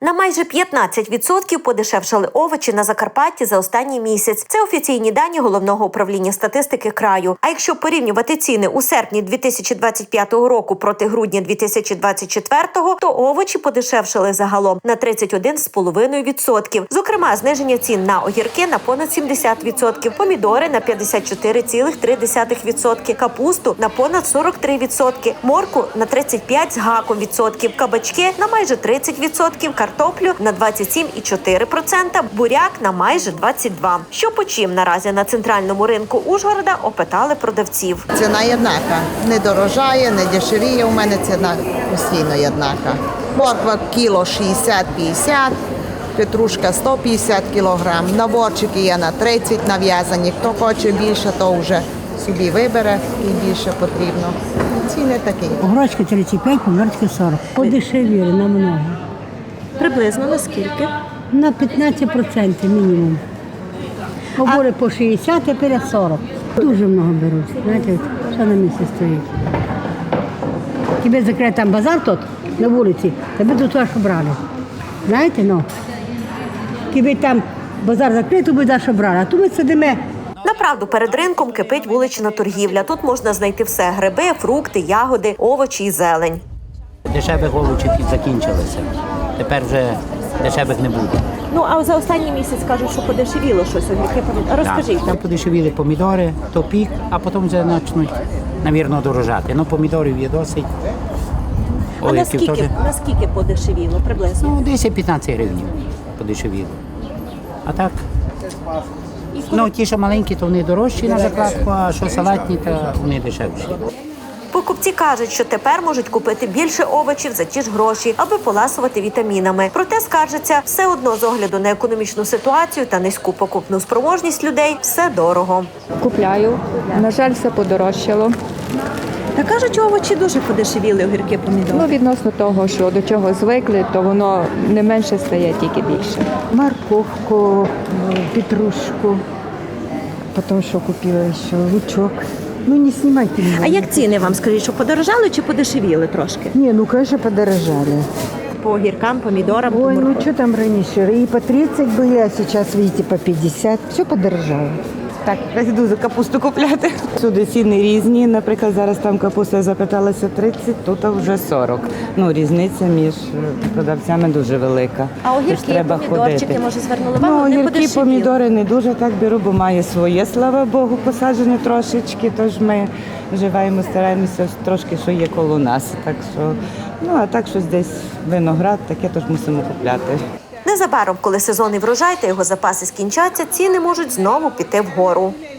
На майже 15% подешевшали овочі на Закарпатті за останній місяць. Це офіційні дані Головного управління статистики краю. А якщо порівнювати ціни у серпні 2025 року проти грудня 2024, то овочі подешевшали загалом на 31,5%. Зокрема, зниження цін на огірки на понад 70%, помідори на 54,3%, капусту на понад 43%, морку на 35 з гаком відсотків, кабачки на майже 30%, картоплю на 27,4%, буряк на майже 22%. Що по чим наразі на центральному ринку Ужгорода, опитали продавців. Ціна єднака. Не дорожає, не дешевіє. У мене ціна постійно єднака. Морква кіло 60-50, петрушка 150 кілограм, наборчики є на 30 нав'язані. Хто хоче більше, то вже собі вибере і більше потрібно. Ціни такі. Огірочки 35, помідорки 40. Подешевіли намного. Приблизно на скільки? На 15% мінімум. Обори по 60, а тепер 40. Дуже много беруть. Знаєте, що на місці стоїть. Тебе закриє там базар тут, на вулиці, тебе тут аж брали. Знаєте, ну. Тебе там базар закритий, тобі даш брали, а тут ми сидимо. Направду, перед ринком кипить вулична торгівля. Тут можна знайти все – гриби, фрукти, ягоди, овочі і зелень. Дешевих овочів закінчилися. Тепер вже дешевих не буде. Ну, а за останній місяць кажуть, що подешевіло щось. Розкажіть нам. Подешевіли помідори, то пік, а потім вже почнуть, мабуть, дорожати. Ну, помідорів є досить. А наскільки подешевіло приблизно? Ну, 10-15 гривень подешевіло. А так, ну, ті, що маленькі, то вони дорожчі на закладку, а що салатні, то вони дешевші. Покупці кажуть, що тепер можуть купити більше овочів за ті ж гроші, аби поласувати вітамінами. Проте, скаржаться, все одно з огляду на економічну ситуацію та низьку покупну спроможність людей все дорого. Купляю. На жаль, все подорожчало. Та кажуть, овочі дуже подешевіли, огірки, помідори. Ну, відносно того, що до чого звикли, то воно не менше стає, тільки більше. Морковку, петрушку, потом что купила еще, лучок. Ну не снимайте меня. А як ціни вам, скажіть, що подорожали чи подешевіли трошки? Не, ну конечно подорожали. По огіркам, помідорам, Ой, по ну моркві? что там раньше, и по 30 были, а сейчас, видите, по 50. Все подорожало. Так, йду за капусту купляти. Сюди ціни різні. Наприклад, зараз там капуста я запиталася 30, тут вже 40. Ну, різниця між продавцями дуже велика. А Тож огірки, треба помідорчики, ходити. може, звернули Ну, увагу? Не огірки, подешевіли? помідори не дуже так беру, бо має своє, слава Богу, посаджені трошечки. Тож ми вживаємо, стараємося трошки, що є коло нас. Так що, ну, а так щось десь виноград, таке тож мусимо купляти. Незабаром, коли сезонний врожай та його запаси скінчаться, ціни можуть знову піти вгору.